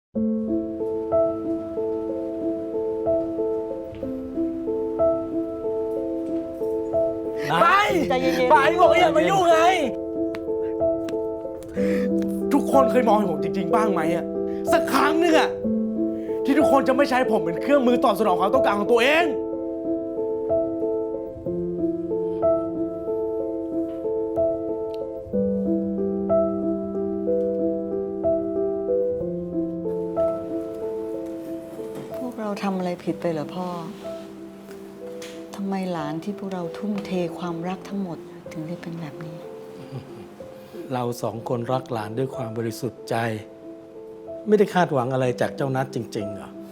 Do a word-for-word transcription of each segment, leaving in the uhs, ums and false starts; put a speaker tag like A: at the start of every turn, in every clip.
A: ไปใจเย็นๆไปบอกอย่ามายุ่งไงทุกคนเคยมองเห็นผมจริงๆบ้างไหมอะสักครั้งหนึ่งอะที่ทุกคนจะไม่ใช้ผมเป็นเครื่องมือตอบสนองความต้องการของตัวเอง
B: พวกเราทำอะไรผิดไปเหรอพ่อทำไมหลานที่พวกเราทุ่มเทความรักทั้งหมดถึงได้เป็นแบบนี้
C: เราสองคนรักหลานด้วยความบริสุทธิ์ใจ ไม่ได้คาดหวังอะไรจากเจ้านัทจริงๆเหรอ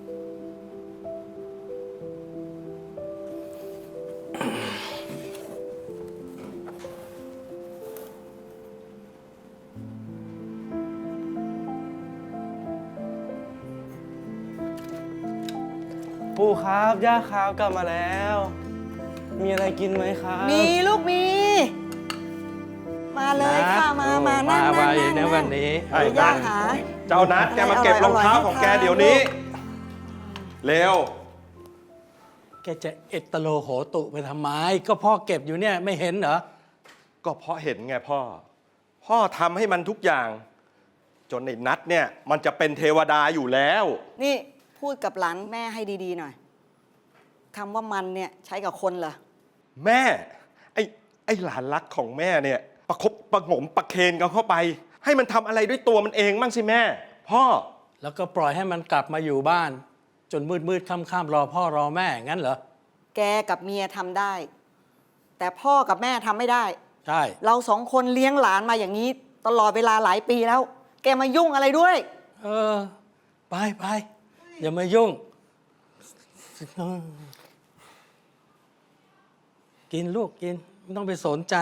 A: ปู่ครับย่าครับกลับมาแล้ว มีอะไรกินไหมครับ
B: มีลูกมี มาเลยค่ะมามานั่ง
C: มา
B: นั่ง
C: ไป
B: นั่ง
C: นะวันนี้
B: เดี๋ยวย่าหา
D: เจ้านัดแกมาเก็บรองเท้าของแกเดี๋ยวนี้ เร็ว
C: แกจะเอตโลโหตุไปทำไม ก็พ่อเก็บอยู่เนี่ยไม่เห็นเหรอ
D: ก็เพราะเห็นไงพ่อ พ่อทำให้มันทุกอย่าง จนไอ้นัดเนี่ยมันจะเป็นเทวดาอยู่แล้ว
B: นี่พูดกับหลานแม่ให้ดีๆหน่อยคำว่ามันเนี่ยใช้กับคนเหรอ
D: แม่ ไอ้ไอ้หลานรักของแม่เนี่ย ประคบประหงมประเคนกันเข้าไป ให้มันทำอะไรด้วยตัวมันเองมั่งสิแม่ พ่อ
C: แล้วก็ปล่อยให้มันกลับมาอยู่บ้าน จนมืดมืดค่ำค่ำรอพ่อรอแม่งั้นเหรอ
B: แกกับเมียทำได้ แต่พ่อกับแม่ทำไม่ได้
C: ใช่
B: เราสองคนเลี้ยงหลานมาอย่างนี้ ตลอดเวลาหลายปีแล้ว แกมายุ่งอะไรด้วย
C: เออ ไปไปอย่ามายุ่ง กินลูกกินไม่ต้องไปสนใจ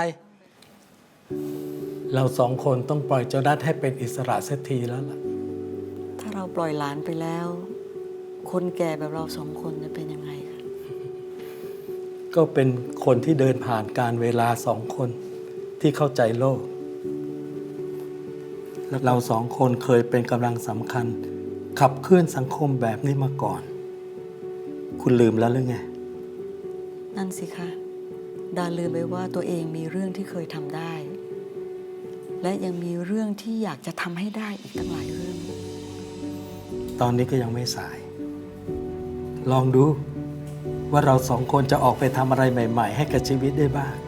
C: เราสองคนต้องปล่อยเจ้านัทให้เป็นอิสระเสียทีแล้วล่ะ
B: ถ้าเราปล่อยหลานไปแล้ว คนแก่แบบเราสองคนจะเป็นยังไงคะ
C: ก็เป็นคนที่เดินผ่านการเวลาสองคนที่เข้าใจโลก และเราสองคนเคยเป็นกำลังสำคัญ ขับเคลื่อนสังคมแบบนี้มาก่อน คุณลืมแล้วหรือไง
B: นั่นสิคะดาลืมไปว่าตัวเองมีเรื่องที่เคยทำได้ และยังมีเรื่องที่อยากจะทำให้ได้อีกตั้งหลายเรื่อง
C: ตอนนี้ก็ยังไม่สาย ลองดูว่าเราสองคนจะออกไปทำอะไรใหม่ ๆ ให้กับชีวิตได้บ้าง